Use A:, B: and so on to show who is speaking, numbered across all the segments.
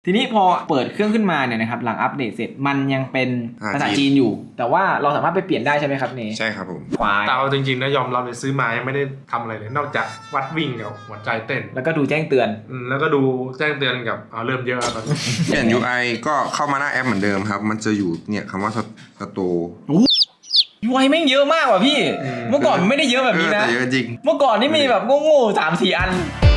A: ทีนี้พอเปิดเครื่องขึ้นมาเนี่ยนะครับหลังอัปเดตเสร็จมันยังเป็นภาษาจีนอยู่แต่ว่าเราสามารถไปเปลี่ยนได้ใช่ไหมครับเน
B: ใช่ครับผม
A: ควาย
C: แต่เอาจริงๆนะยอมรับเลยซื้อมายังไม่ได้ทำอะไรเลยนอกจากวัดวิ่งกับหัวใจเต้น
A: แล้วก็ดูแจ้งเตือน
C: แล้วก็ดูแจ้งเตือนกับเริ่มเยอะแล้ว
B: เปลี่ยน UI ก็เข้ามาหน้าแอปเหมือนเดิมครับมันจะอยู่เนี่ยคำว่าสโตร์
A: UI แม่งเยอะมากว่ะพี่เมื่อก่อนไม่ได้เยอะแบบนี้นะ
B: เยอะจริง
A: เมื่อก่อนนี่มีแบบโง่ๆ3-4 อัน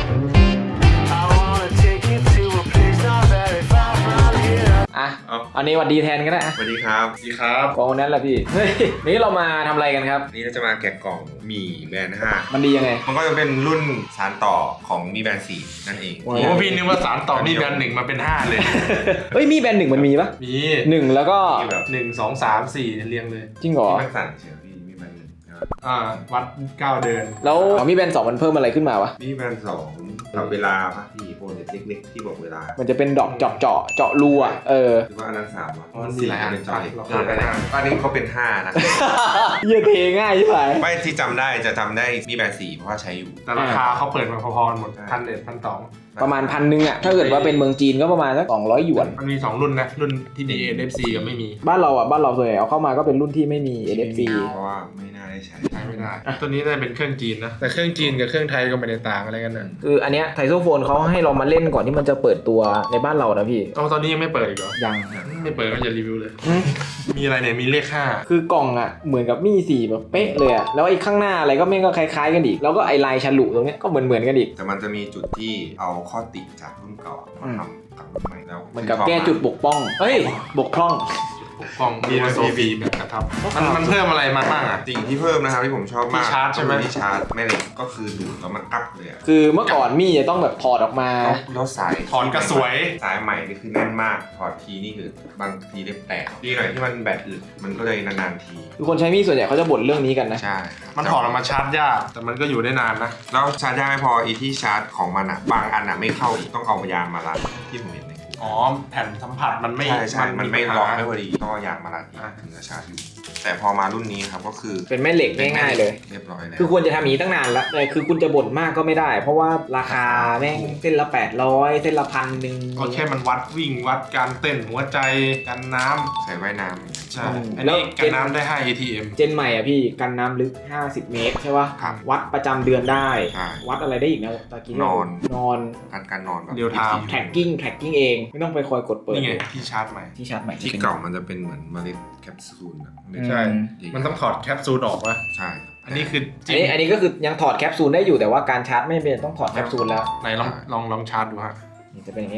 A: อ่ะอันนี้วัดดีแทนก็ได้
B: สวัสดีครับ
C: สวัสดีครับ
A: กองนั้นแหละพี่เฮ้ยนี่เรามาทำอะไรกันครับ
B: นี่เราจะมาแกะกล่องมีแบรนด์5
A: มันดียังไง
B: มันก็จะเป็นรุ่นสานต่อของมีแบรนด์4นั่นเอง
C: โอ้พี่นึกว่าสารต่อมีแบรนด์1มาเป็น5เลย
A: เฮ้ยมีแบรนด์1มันมีปะ
C: มี
A: 1แล้วก็
C: 1 2 3 4เรียงเลย
A: จริงเหรอ
B: ไม่สั่นเฉยพี่มีแบรนด์1
C: วัด9เดือน
A: แล้วมีแบรนด์2มันเพิ่มอะไรขึ้นมาวะ
B: มีแบรนด์2ต่อเวลาป่ะพี่โปรเล็กๆที่บอกเวลา
A: มันจะเป็นดอกเจาะรูอ่ะ
B: หรือว่าอันนั้น3อ่ะ
C: มันมีหลายอัน
B: เป็นจอยอันนี้เขาเป็น5นะ
A: เยอะเทง่ายใช่ไหม
B: ไม่ที่จำได้มีแบรนด์4เพราะว่าใช้อยู่
C: แต่ราคาเขาเปิดมาพอๆหมด1,100 1,200
A: ประมาณ1,000อ่ะถ้าเกิดว่าเป็นเมืองจีนก็ประมาณสัก200 หยวน
C: มันมี2รุ่นนะรุ่นที่มี NFC กับไม่มี
A: บ้านเราส่วนใหญ่เอาเข้ามาก็เป็นรุ่นที่ไม่มี NFC
B: เพราะว่าไม่น่าได้ใช้
C: ไม่ได้ตัวนี้ได้เป็นเครื่องจีนนะแต่เครื่องจีนกับเครื่องไทยก็ไม่ได้ต่างอะไรกันนะ
A: คืออันเนี้ยไทโซโฟนเขาให้เรามาเล่นก่อนที่มันจะเปิดตัวในบ้านเรานะพี่
C: ตอนนี้ยังไม่เปิดอีกเหรอ
A: ยัง
C: ไม่เปิดก็จะรีวิวเลยมีอะไรเนี่ยมีเลข5
A: คือกล่องอ่ะเหมือนกับมี4แบบเป๊ะเลยอ่ะแล้วไอ้ข้างหน้าอะไรก็ไม่ก็คล้ายๆกันอีกแล้วก็ไอ้ลายฉลุตรงเนี้ยก็เหมือนกันอีก
B: แต่มันจะมีจุดที่เอาข้อติจากรุ่นเก่ามาทำกับรุ่นใหม่แล้ว
A: เหมือนกับแก้จุดบกพร่องบกพร่อง
C: มีโซฟีแบบกระทับมันเพิ่มอะไรมาบ้างอ่ะ
B: สิ่งที่เพิ่มนะครับที่ผมชอบมาก
C: ที่ชาร์จใช่ไหม
B: ที่ชาร์จแม่เหล็กก็คือดูดแล้วมันอัพเลย
A: คือเมื่อก่อนมี่จะต้องแบบถอดออกมา
B: แล้วสาย
C: ถอนกระสวย
B: สายใหม่นี่คือแน่นมากถอดทีนี่คือบางทีเล็บแตกดีหน่อยที่มันแบตอึดมันก็เลยนานๆที
A: ทุกคนใช้มี่ส่วนใหญ่เขาจะบ่นเรื่องนี้กันนะ
B: ใช่
C: มันถอดออกมาชาร์จยากแต่มันก็อยู่ได้นานนะ
B: แล้วชาร์จยากไม่พออีที่ชาร์จของมันอ่ะบางอันอ่ะไม่เข้าอีกต้องเอายางมารัดที่ผมเห็น
C: แผ่นสัมผัสมันไม่
B: ใช่มันไม่ล็อกไม่พอดีต้องเอายางมารัดถึงจะชาร์จอยู่แต่พอมารุ่นนี้ครับก็คือ
A: เป็นแม่เหล็กง่ายๆเลย
B: เรียบร้อยแล้ว
A: คือควรจะทำอย่างนี้ตั้งนานแล้วแต่คือคุณจะบ่นมากก็ไม่ได้เพราะว่าราคาแม่งเส้นละ800เส้นละ1,000
C: ก็แค่มันวัดวิ่งวัดการเต้นหัวใจกันน้
B: ำใส่ว่ายน้
C: ำใช่อันนี้กันน้ำได้5 ATM
A: เจนใหม่อ่ะพี่กันน้ำลึก50 เมตรใช่ป่ะวัดประจำเดือนได้วัดอะไรได้อีกนะตะกี้นอน
B: การนอนแบบ
C: เดียวทาม
A: แท็กกิ้งเองไม่ต้องไปคอยกดเปิด
C: นี่ไงที่ชาร์จใหม่
B: ที่เก่ามันจะเป็นเหมือนเมล็ดแคปซูล
C: ใช่มันต้องถอดแคปซูลออกป่ะ
B: ใช่
C: อันนี้คือ
A: อันนี้ก็คือยังถอดแคปซูลได้อยู่แต่ว่าการชาร์จไม่เป็นต้องถอดแคปซูลแล้ว
C: ไหนลองชาร์จดูฮะ
A: นี่จะเป็นอย่างนี้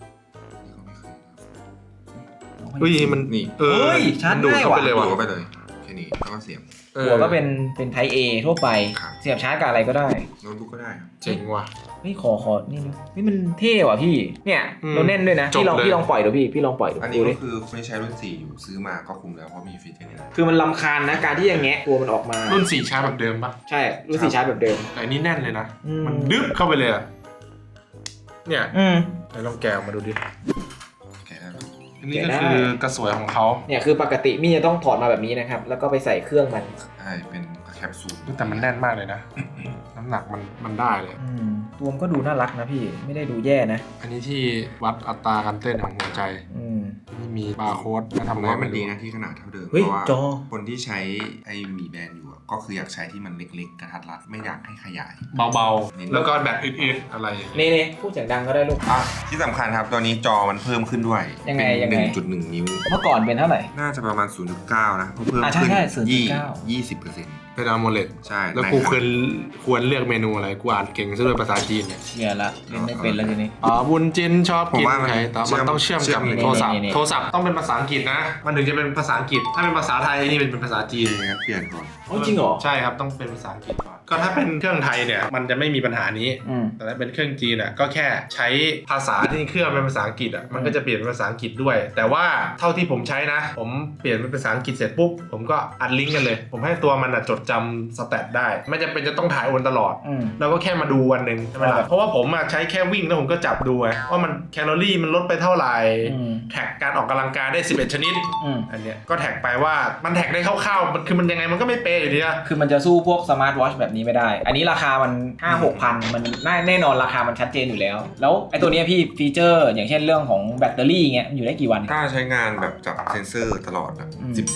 C: มัน
B: นี่
A: ชาร์จง่ายกว่า
B: ดูเข้าไปเลยแค่นี้แล้วก็เสียบ
A: หัวก็เป็นไทป์ A ทั่วไปเสียบชาร์จกับอะไรก็ได้
B: โน้ตบุ๊กก็ได้ครับ
C: เจ๋งว่ะ
A: นี่ขอนี่มันเท่ว่ะพี่เนี่ยเราแน่นด้วยนะพี่ลองปล่อยดูพี่ลองปล่อยดู
B: อันนี้ก็คือคนที่ใช้รุ่น4อยู่ซื้อมาก็คุ้มแล้วเพราะมีฟีเจอร์นี้นะ
A: คือมันรำคาญนะการที่อย่างเงี้ยตัวมันออกมา
C: รุ่น4ชาร์จแบบเดิมปะ
A: ใช่รุ่น4ชาร์จแบบเดิม
C: แต่อันนี้แน่นเลยนะมันดึ๊บเข้าไปเลยเนี่ยไหนลองแกะมาดูดิอันนี้ก็คือกระสวยของเขา
A: เนี่ยคือปกติมี่จะต้องถอดมาแบบนี้นะครับแล้วก็ไปใส่เครื่องมัน
B: ใช่เป็นแคปซูล
C: แต่มันแน่นมากเลยนะน้ำหนักมันได้เลย
A: ตัวมันก็ดูน่ารักนะพี่ไม่ได้ดูแย่นะ
C: อันนี้ที่วัดอัตราการเต้นของหัวใจนี่มีบาร์โค้ดมาทำ
B: ว่ามันดีนะที่ขนาดเท่าเดิมเพราะว่าคนที่ใช้ไอ้มีแบรนด์อยู่ก็คืออยากใช้ที่มันเล็กๆกระทัดรัดไม่อยากให้ขยาย
C: เบาๆแล้วก็แบบอึดๆอะไร
A: นี่พูดเสียงดังก็ได้ลูก
B: ที่สำคัญครับตัวนี้จอมันเพิ่มขึ้นด้วย
A: ยังไง
B: 1.1 นิ้ว
A: เมื่อก่อนเป็นเท่าไหร่
B: น่าจะประมาณ 0.9 นะเพิ่มขึ้น20%
C: เป็นอะโมเลด
B: ใช่
C: แล้วกูควรเลือกเมนูอะไรกูอ่านเก่งซะด้วยภาษาจีน
A: เนี่ยละเล่นไม่เป็นแล้วทีนี้
C: บุญจินชอบกินไข่แต่มันต้องเชื่อมกับโทรศัพท์ต้องเป็นภาษาอังกฤษนะมันถึงจะเป็นภาษาอังกฤษถ้าเป็นภาษาไทยนี่เป็นภาษาจีน
B: เปลี่ยนก่อน
A: จริงเหรอ
C: ใช่ครับต้องเป็นภาษาอังกฤษก่อนก็ถ้าเป็นเครื่องไทยเนี่ยมันจะไม่มีปัญหานี้แต่ถ้าเป็นเครื่องจีนอ่ะก็แค่ใช้ภาษาที่เครื่องเป็นภาษาอังกฤษอ่ะมันก็จะเปลี่ยนเป็นภาษาอังกฤษด้วยแต่ว่าเท่าที่ผมใช้นะผมเปลี่ยนเป็นภาษาอังกฤษเสร็จปุ๊บผมก็อัดลิงก์กันเลยผมให้ตัวมันจดจำสแตทได้ไม่จำเป็นจะต้องถ่ายโอนตลอดเราก็แค่มาดูวันหนึ่งใช่ไหมล่ะเพราะว่าผมใช้แค่วิ่งแล้วผมก็จับดูไงว่ามันแคลอรี่มันลดไปเท่าไหร่แท็กการออกกำลังกายได้11ชนิดอันเนี้ยก็แท็กไปว่ามันแท็กได้คร่าวๆมันคือมันยังไงมันก็ไม่เป๊ะอยู่ดีอะ
A: คือมันจะสู้พวกสมาร์ทวอทช์แบบนี้ไม่ได้ อันนี้ราคามัน 5-6 พันมันแน่นอนราคามันชัดเจนอยู่แล้วแล้วไอ้ตัวนี้พี่ฟีเจอร์อย่างเช่นเรื่องของแบตเตอรี่เงี้ยมันอยู่ได้กี่วัน
B: ถ้าใช้งานแบบจับเซนเซอร์ตลอดอ่ะ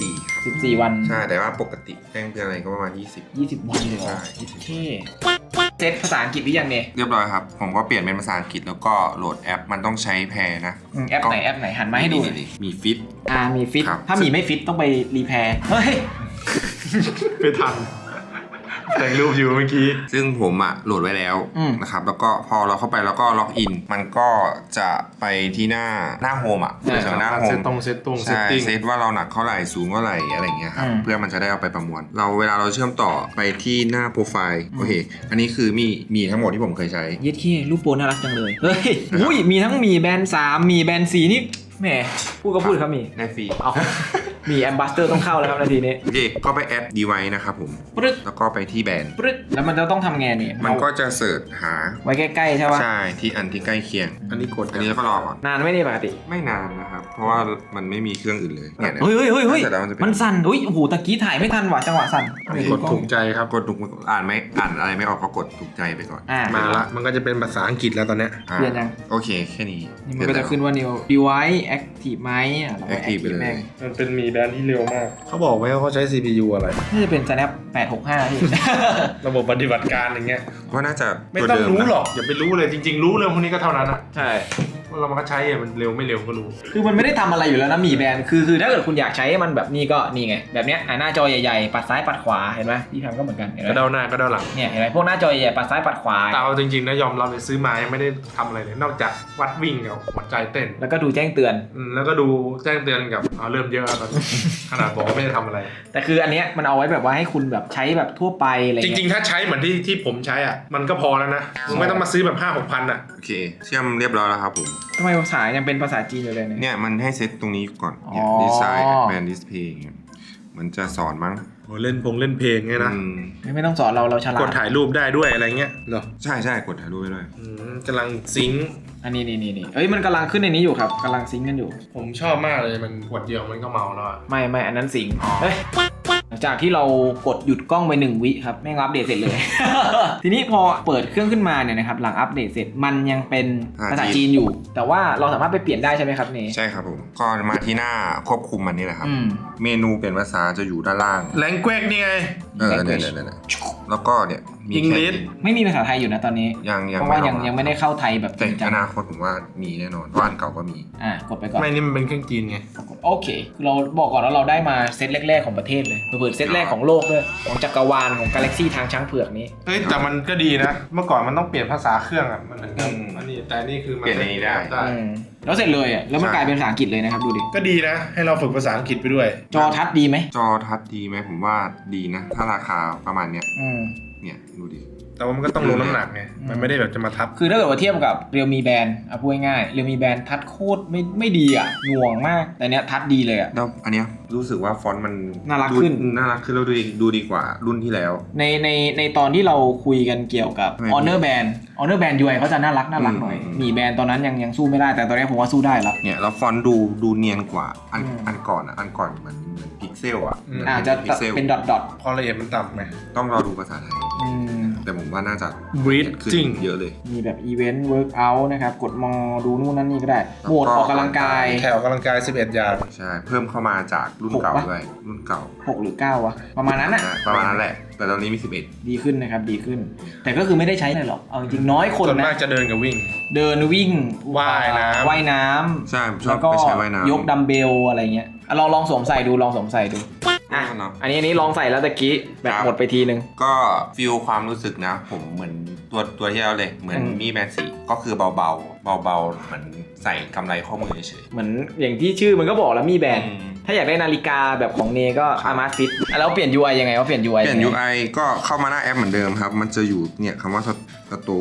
B: 14
A: วัน
B: ใช่แต่ว่าปกติแจ้งเตือนอะไรก็ประมาณ
A: 20 วันเลยเหรอ
B: ใช่
A: โอเคเซตภาษาอังกฤษหรือยังเนี่ย
B: เรียบร้อยครับผมก็เปลี่ยนเป็นภาษาอังกฤษแล้วก็โหลดแอปมันต้องใช้แพร์นะ
A: แอปไหนหันมาให้ดู
B: มีฟิต
A: มีฟิต
B: ครับ
A: ถ้ามีไม่ฟิตต้องไปรีแพร์เฮ้ย
C: ไม่ทันแต่งรูปอยู่เมื่อกี้
B: ซึ่งผมอ่ะโหลดไว้แล้วนะครับแล้วก็พอเราเข้าไปแล้วก็ล็อกอินมันก็จะไปที่หน้าโฮมอ่ะจากหน้าโฮม
C: เซตติ้ง
B: ใช่เซตว่าเราหนักเท่าไหร่สูงเท่าไหร่อะไรอย่างเงี้ยครับเพื่อมันจะได้เอาไปประมวลเวลาเราเชื่อมต่อไปที่หน้าโปรไฟล์โอเคอันนี้คือมีทั้งหมดที่ผมเคยใช้
A: เย็ดขี้รูปโปรน่ารักจังเลยเฮ้ยอุ้ยมีทั้งมีแบรนด์3มีแบรนด์4นี่แหมพูดก็พูดครับมี
B: ได้ฟรี
A: เอามีแอมบาสเตอร์ต้องเข้าแล้วครับนาทีนี้
B: โอเคก็ไปแอดดีไวนะครับผม
A: ปึ๊ด
B: แล้วก็ไปที่แบรนด์
A: ปึ๊ดแล้วมันจะต้องทำไงเนี่ย
B: มันก็จะเสิร์ชหา
A: ไว้ใกล้ๆใช่ปะ
B: ใช่ที่อันที่ใกล้เคียง
C: อันนี้กด
B: อันนี้ก็รอก่อน
A: นานไหมเนี่ยปกติ
B: ไม่นานนะครับเพราะว่ามันไม่มีเครื่องอื่นเลยเนี่ย
A: เฮ้ย
B: เสร็จแล้วมันจะเป็น
A: มันสั่นอุ้ยโอ้โหตะกี้ถ่ายไม่ทันว่ะจังหวะสั่น
C: กดถูกใจครับ
B: กดถูกอ่านอะไรไม่ออกก็กดถูกใจไปก่อน
C: มาละมันก็จะเป็นภาษาอังกฤษแล้วตอนเนี้ย
A: เปลี่ยนยัง
B: โอเคแค่นี้
A: นี่มันก็จะขึ้นว่า new device active ไหมเราไป
B: active ไปเลย
A: แม่ง
C: มันเป็นมีแบรนด์ที่เร็วมากเขาบอกไว้ว่าเขาใช้ CPU อะไร
A: น่าจะเป็น Snap 865พี่
C: ระบบปฏิบัติการอย่างเงี้ย
B: ว่าน่าจะ
C: ไม่
B: ตัว
C: ต้อง
B: เดิม
C: รู้
B: นะ
C: หรอกอย่าไปรู้เลยจริงๆรู้เรื่องพวกนี้ก็เท่านั้นอะ
A: ใช่
C: ว่าเรามันก็ใช้อะมันเร็วไม่เร็วก็รู้
A: คือมันไม่ได้ทำอะไรอยู่แล้วนะหมีแบรนด์คือถ้าเกิดคุณอยากใช้มันแบบนี้ก็นี่ไงแบบเนี้ยหน้าจอใหญ่ๆปัดซ้ายปัดขวาเห็นไหมพี่แพมก็เหมือนกันเห็นไหม
C: ก็เด้าหน้าก็เด้าหลัง
A: เนี่ยเห็นไหมพวกหน้าจอใหญ่ๆปัดซ้ายปัดขวา
C: แต่เอาจริงๆนะยอมรับเลยซื้อมายังไม่ได้ทำอะไรเลยนอกจากวัดวิ่งกับหัวใจเต้น
A: แล้วก็ดูแจ้งเตือน
C: แล้วก็ดูแจ้งเตือนกับเริ่มเยอะแล้วตอนนี้ขนาดบอกว่าไม่ได้ทำอะไร
A: แต่คืออันเนี้ยมันเอาไว้แบบว่าให้คุณแบบใช้แบบทั่วไปอะไร
C: จ
A: เงี้ย
C: ริงๆถ้าใช้เหมือนที่ผมใช้อ่ะมันก็พอแล้วนะมึงไม่ต้องมาซื้อแบบ 5-6 พันอ่ะ
B: โอเคเชื่อมเรียบร้อยแล้วครับผม
A: ทำไมภาษายังเป็นภาษาจีนอยู่เลยเนี่ย
B: เนี่ยมันให้เซตตรงนี้ก่อน
A: อ๋อ
B: ดีไซน์แบรนด์ดิสเพย์มันจะสอนมั้ง
C: โหเล่นเพลงไงนะ
A: ไม่ต้องสอนเราฉลาด
C: กดถ่ายรูปได้ด้วยอะไรเงี้ยเหรอ
B: ใช่กดถ่ายรูปไปด้วย
C: กำลังซิงค์
A: อันนี้เอ้ยมันกำลังขึ้นในนี้อยู่ครับกำลังซิงค์กันอยู่
C: ผมชอบมากเลยมันขวดเดียวมันก็เมาแล้วอะ
A: ไม่อันนั้นสิงเฮ้ยหลังจากที่เรากดหยุดกล้องไป1 วิครับแม่งอัปเดตเสร็จเลย ทีนี้พอเปิดเครื่องขึ้นมาเนี่ยนะครับหลังอัปเดตเสร็จมันยังเป็นภาษาจีนอยู่ แต่ว่าเราสามารถไปเปลี่ยนได้ใช่ไหมครับเน
B: ใช่ครับผมก็มาที่หน้าควบคุมมันนี่แหละครับ เมนูเปลี่ยนภาษาจะอยู่ด้านล่าง
C: แรงเกวกนี่ไง
B: เนี่ยแล้วก็เนี่ยมี
C: อัง
B: แค่
C: กฤษ
A: ไม่มีภาษาไทยอยู่นะตอนนี้
B: ยัง
A: เพราะว่า
B: อ
A: ยั
B: อง ก
A: ไม่ได้เข้าไทยแบบจ
B: แต่
A: ริงจั
B: อง นาคตผมว่ามีแน่นอนเพราะอันเก่าก็มี
A: กดไปก่อน
C: ไม่นี่มันเป็นเครื่องจีนไง
A: โอเคคือเราบอกก่อนว่าเราได้มาเซตแรกๆของประเทศเลยเปิดเซตแรกของโลกด้วยของจักรวาลของกาแล็กซี่ทางช้างเผือกนี้
C: เฮ้ยแต่มันก็ดีนะ เมื่อก่อนมันต้องเปลี่ยนภาษาเครื่องอ่ะมันถึงจะอันนี้แต่นี่คือมัน
B: เปลี่ยนในนี้ได้
A: แล้วเสร็จเลยอ่ะแล้วมันกลายเป็นภาษาอังกฤษเลยนะครับดูดิ
C: ก็ดีนะ ให้เราฝึกภาษาอังกฤษไปด้วย
A: จอทัชดีไหม
B: จอทัชดีไหมผมว่าดีนะ ถ้าราคาประมาณเนี้ย เนี่ยดูดิ
C: แต่ว่ามันก็ต้องลงน้ำหนักไงมันไม่ได้แบบจะมาทับ
A: คือถ้าเกิดว่าเทียบกับเรียวมีแบนพูดง่ายๆเรียวมีแบนทัชโคตรไม่ดีอ่ะหน่วงมากแต่เนี้ยทัชดีเลยอ่ะ
B: แล้วอันเนี้ยรู้สึกว่าฟอนต์มัน
A: น่ารักขึ้น
B: น่ารักขึ้นแล้วดูดีกว่ารุ่นที่แล้ว
A: ในตอนที่เราคุยกันเกี่ยวกับ Honor Band Honor Band UI เขาจะน่ารักหน่อยมีแบนตอนนั้นยังสู้ไม่ได้แต่ตอนนี้ผมว่าสู้ได้แล้ว
B: เนี่ยแล้วฟอนต์ดูเนียนกว่าอันก่อนเหมือนพิกเซลอ่ะ
A: อาจจะ
B: พิกเซล
A: เป็นดอท
C: พอละเอียดมันต่ำไหม
B: ต้องรอดูภาษาไทย แต่ผมว่าน่าจะ
C: Breed
B: ขึ้น
C: จริง
B: เยอะเลย
A: มีแบบอีเวนต์เวิร์กอัลนะครับกดมอดูนู่นนั่นนี่ก็ได้โหมดออกกำลังกาย
C: แถวกำลังกาย 11 อย่าง
B: ใช่เพิ่มเข้ามาจากรุ่นเก่า
A: 6ปะ
B: ด้วยรุ่นเก่า
A: 6 หรือ 9 วะ ประมาณนั้นอ่ะ
B: ประมาณนั้นแหละ แต่ตอนนี้มี
A: ดีขึ้นนะครับดีขึ้น แต่ก็คือไม่ได้ใช้อะไรหรอกเอาจริงน้อยคน
C: ส่วน
A: นะ
C: มากจะเดินกับวิ่ง
A: เดินวิ่ง
C: ว่ายน้ำ
A: ว่ายน้
B: ใช่
A: ำ
B: ชอบ
A: แล้วก็
B: ไปใช้ว่ายน้ำ
A: ยกดัมเบลอะไรเงี้ยลองสวมใส่ดูลองสวมใส่ดูอ่ะ
B: เนาะ
A: อันนี้ลองใส่แล้วตะกี้แบตหมดไปทีนึง
B: ก็ฟีลความรู้สึกนะ ผมเหมือนตัวที่แล้วเลยเหมือนมีแบนสีก็คือเบาเหมือนใส่กำไรข้อมือเฉย
A: เหมือนอย่างที่ชื่อมันก็บอกแล้วมีแบนถ้าอยากได้นาฬิกาแบบของเนก็
B: ครับ
A: อามาฟิตแล้วเปลี่ยน UI ยังไงว่าเปลี่ยน UI
B: เปลี่ยน UI ก็เข้ามาหน้าแอปเหมือนเดิมครับ มันจะอยู่เนี่ยคำว่าสโต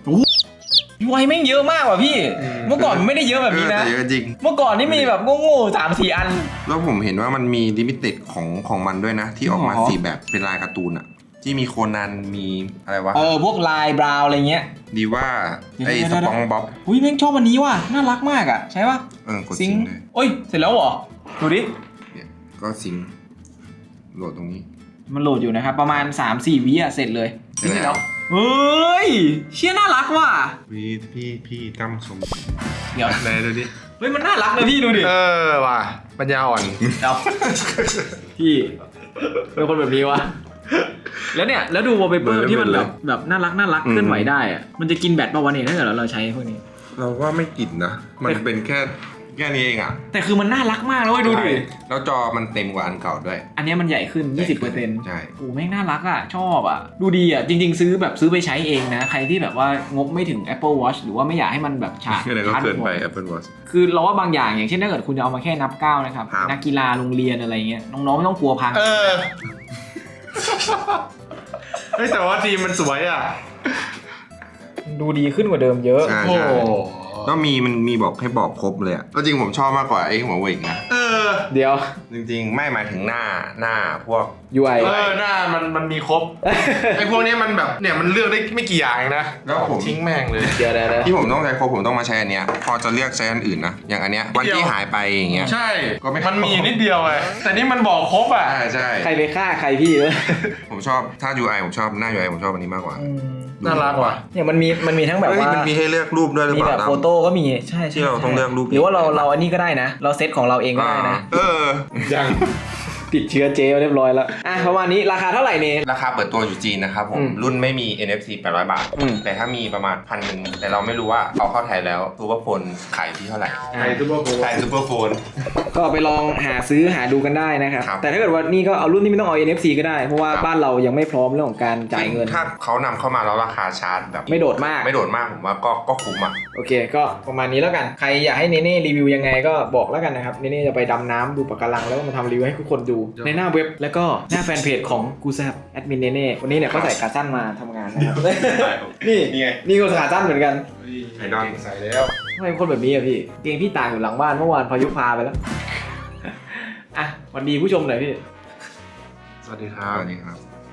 A: UI แม่งเยอะมากว่ะพี่ เมื่อก่อนมันไม่ได้เยอะแบบนี้นะ
B: แต่เยอะจริง
A: เมื่อก่อนนี่มีแบบโง่ๆ3-4 อัน
B: แล้วผมเห็นว่ามันมีลิมิเต็ดของมันด้วยนะ ที่ออกมา
A: อ๋อ
B: 4 แบบเป็นลายการ์ตูนอะที่มีโคนันมีอะไรวะ
A: พวกลายบราวน์อะไรเงี้ย
B: ดีว่าไอ้
A: เดี๋ยว
B: สปองบ๊อบ
A: อุ้ยแม่งชอบอันนี้ว่ะน่ารักมากอ่ะใช่ป่ะ
B: กดซิงค์เลย
A: โอ้ยเสร็จแล้วเหรอดูดิ
B: เนี่ยก็ซิงค์โหลดตรงนี้
A: มันโหลดอยู่นะครับประมาณ 3-4 วิอ่ะเสร็จเลยจริงเหรอเฮ้ยเชี่ยน่ารักว่ะ
B: พี่ตั้มชม
A: เดี๋ยว
C: ไหนดูดิ
A: เฮ้ยมันน่ารักนะพี่ดูดิ
C: ว่ะปัญญาอ่อน
A: เอาพี่เป็นคนแบบนี้วะแล้วเนี่ยแล้วดูวอลเปเปอร์ที่มันแบบน่ารักเคลื่อนไหวได้อะมันจะกินแบตป่าววะเนี่ยถ้าเกิดเราใช้พวกนี้
B: เราว่าไม่กินนะ มันเป็นแค่นี้เองอ่ะ
A: แต่คือมันน่ารักมากเลยดูดิ
B: แล้วจอมันเต็มกว่าอันเก่าด้วย
A: อันนี้มันใหญ่ขึ้น 20%
B: ใช่
A: โอ้แม่งน่ารักอ่ะชอบอ่ะดูดีอ่ะจริงๆซื้อไปใช้เองนะใครที่แบบว่างบไม่ถึง Apple Watch หรือว่าไม่อยากให้มันแบบฉาด
B: อะไรก็เกินไป Apple Watch
A: คือเราว่าบางอย่างอย่างเช่นถ้าเกิดคุณจะเอามาแค่นับก้าวนะครับ
B: ครับ
A: นักกีฬาโรงเรียนอะไรเงี้ยน้องๆไม่ต้องกลัวพัง
C: เฮ้ยแต่ว่าทีมมันสวยอ่ะ
A: ดูดีขึ้นกว่าเดิมเยอะ
B: ใช่
C: โอ้
B: ใช่แล้วมันมีบอกให้บอกครบเลยอ่ะก็จริงผมชอบมากกว่าไอ้หัวเว่ยนะ
A: เดี๋ยว
B: จริงๆ ไม่หมายถึงหน้าพวก
A: UI
C: หน้ามันมีครบ ไอ้พวกนี้มันแบบเนี่ยมันเลือกได้ไม่กี่อย่างเองนะ
B: แล้วผม
C: ทิ้งแม่งเลย
A: เดี๋ยว
B: ที่ผมต้องใช้ครบผมต้องมาใช้อันเนี้ยพอจะเลือกใช้อันอื่นนะอย่างอันเนี้ยวันที่หายไปอย่างเงี้ย
C: ใช่
B: ก็ไม่
C: มันมีนิดเดียวไงแต่นี่มันบอกครบอ่ะ
B: ใช่
A: ใครไปฆ่าใครพี่
B: ผมชอบถ้า UI ผมชอบหน้า UI ผมชอบอันนี้มากกว่า
C: น่ารักว่ะ
A: เนี่ยมันมีทั้งแบบ
B: เฮ้ย
A: ว่า
B: มันมีให้เลือกรูปด้วยหรือ
A: มี
B: เปล่า
A: แบบ
B: ตั้ม
A: โฟโต้ก็มีใช่
B: ที่เราต้องเลือกรูป
A: หรือว่าเราอันนี้ก็ได้นะ เราเซตของเราเองก็ได้นะ
C: ยัง
A: ติดเชื้อเจเรียบร้อยแล้วอ่ะประมาณนี้ราคาเท่าไหร่เนี่ย
B: ราคาเปิดตัวอยู่จีนนะครับผม รุ่นไม่มี NFC 800 บาท แต่ถ้ามีประมาณ1,000แต่เราไม่รู้ว่าเอาเข้าไทยแล้วซูเปอร์โฟนขายที่เท่าไหร่
C: ไอ้ซูเปอร์โฟน
B: ขายซูเปอร์โฟน
A: ก็ไปลองหาดูกันได้นะครับ
B: ครับ
A: แต่ถ้าเกิดว่านี่ก็เอารุ่นที่ไม่ต้องเอา NFC ก็ได้ เพราะว่า
B: ครับ
A: บ้านเรายังไม่พร้อมเรื่องของการจ่ายเงิน
B: ถ้าเขานำเข้ามาแล้วราคาชาร์จแบบ
A: ไม่โดดมาก
B: ไม่โดดมากผมว่าก็คุ้มอ่ะ
A: โอเค ก็ประมาณนี้แล้วกัน ใครอยากให้เนเน่รีวิวยังไงก็บอกแล้วกันนะครับ เนเน่จะไปดำน้ำดูปะการังแล้วก็มาทำรีวิวให้ทุกคนดูในหน้าเว็บ แล้วก็หน้าแฟนเพจของกูแซบแอดมินเนเน่วันนี้เนี่ยเขาใส่ขาสั้นมาทำงานนะครับ นี่
B: นี่ไง
A: นี่ก็ขาสั้นเหมือนกัน
B: ไอดอล
C: ใส่แล้ว
A: ทำไมเป็นคนแบบนี้อะพี่เตียงพี่ตากอยู่หลังบ้านเมื่อวานพายุพาไปแล้ว อ่ะสวัสดีผู้ชมหน่อยพี่
C: สวัสดีค
B: ส
C: รับ
B: วัสดีครับ